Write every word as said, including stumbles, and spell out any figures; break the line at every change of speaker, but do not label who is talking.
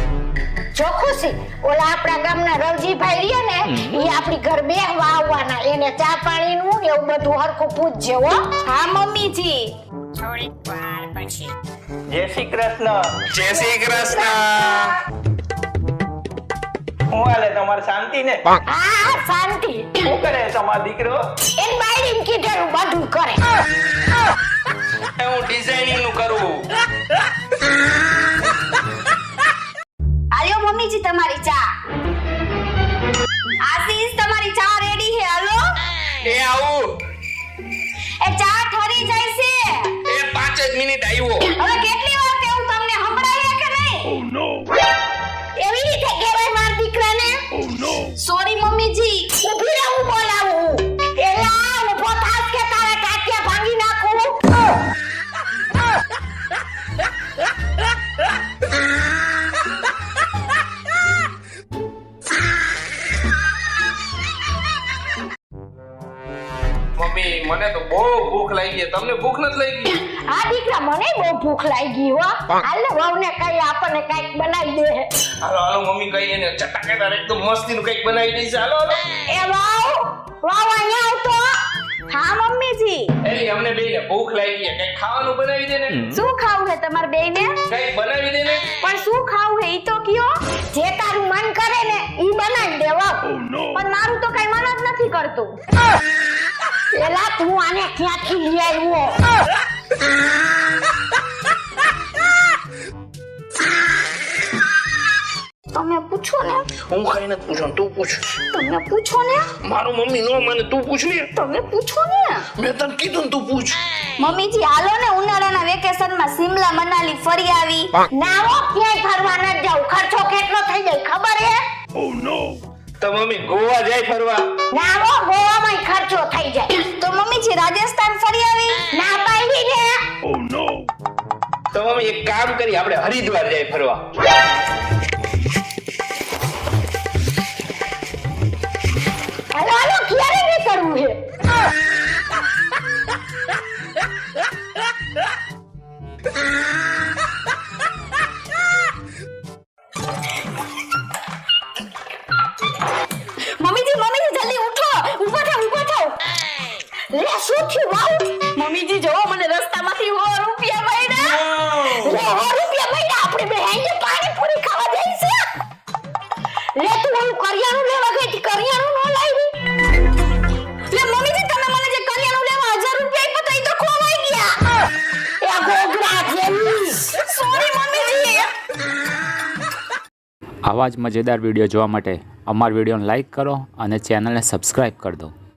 જો ખુશી ઓલા આપણા ગામના રવજીભાઈ રહ્યા ને ઈ આપણી ઘર બેહવા આવવાના એને ચા પાણીનું ને એવું બધું હરખું પૂછજે હો.
હા મમ્મીજી.
થોડીક વાર પછી
જય શ્રી કૃષ્ણ.
જય શ્રી કૃષ્ણ.
હું હાલે તમારે શાંતિ ને?
હા શાંતિ.
શું કરે તમારો દીકરો?
એન બાયડીને કીધેલું બધું કરે.
હું ડિઝાઇનિંગ નું કરું.
આલ્યો મમ્મીજી તમારી ચા. આશીષ તમારી ચા રેડી છે હાલો.
એ આવું.
એ ચા ઠરી જાય છે.
એ પાંચ જ મિનિટ આવ્યો.
હવે કેટલી વાર કેવું તમને સંભળાય કે નહીં?
ઓ નો.
એવી રીતે કહેવાય માર દીકરાને.
ઓ નો.
સોરી મમ્મીજી.
ઊભી રહે હું બોલાવું. એલા ઊભો થાસ કે તારા ટાટિયા ભાંગી નાખું.
મમ્મી મને તો બહુ ભૂખ લાગી છે. તમને ભૂખ નથી લાગી?
આ દીકરા મને બહુ ભૂખ લાગી હો. હાલ વહુને કઈ આપણને કઈક બનાવી દે.
હાલો હાલો મમ્મી કઈ એને ચટાકેદાર એકદમ મસ્તી નું કઈક બનાવી દઈશ. હાલો હાલો.
એ વહુ વહુ અહીંયા આવતો.
હા મમ્મીજી.
એલી અમને બેયને ભૂખ લાગી છે. કઈક ખાવાનું બનાવી દે ને.
શું ખાવું છે તમારે બેયને?
કઈક બનાવી દે ને.
પણ શું ખાવું છે ઈ તો કયો.
જે તારું મન કરે ને ઈ બનાવી દે વહુ.
પણ મારું તો કઈ મન જ નથી કરતું.
એલા તું આને ક્યાંથી લઈ આવ્યો?
તમે પૂછો ને.
હું કઈ નથી પૂછો તું પૂછ.
તમે પૂછો ને.
મારું મમ્મી નો મને તું પૂછ ને.
તમે પૂછો ને.
મેં તને કીધું ને તું પૂછ.
મમ્મીજી હાલો ને ઉનાળાના વેકેશનમાં સિમલા મનાલી ફરી આવી.
ના હો ક્યાંય ફરવા ન જાવ. ખર્ચો કેટલો થઈ જાય ખબર હે?
ઓ નો. તો મમ્મી ગોવા જાય ફરવા.
ના હો ગોવામાં ખર્ચો થઈ જાય.
તો મમ્મીજી રાજસ્થાન ફરી આવી.
ના પાડી ને.
ઓ નો. તો મમ્મી એક કામ કરી આપણે હરિદ્વાર જાય ફરવા.
હાલો હાલો ક્યારે નીકળવું છે?
મમ્મીજી મમ્મીજી જલ્દી ઉઠો. ઊભા થાઓ ઊભા થાઓ.
લે શું થયું વહુ?
મમ્મીજી જોવો મને રસ્તામાંથી સો રૂપિયા મળ્યા.
લે સો રૂપિયા મળ્યા. આપણે બે આઈને પાણીપુરી ખાવા જઈશું. લે તું ઓલું કરિયાણું લેવા ગઈ હતી કરિયાણું ન લાવી.
લે મમ્મીજી તમે મને જે કરિયાણું લેવા હજાર રૂપિયા આપ્યા તા ઈ તો ખોવાઈ ગયા.
એ ગોગરા જેવી.
સોરી મમ્મીજી.
આવા જ મજેદાર વિડીયો જોવા માટે અમારા વિડીયોને લાઈક કરો અને ચેનલને સબસ્ક્રાઈબ કરી દો.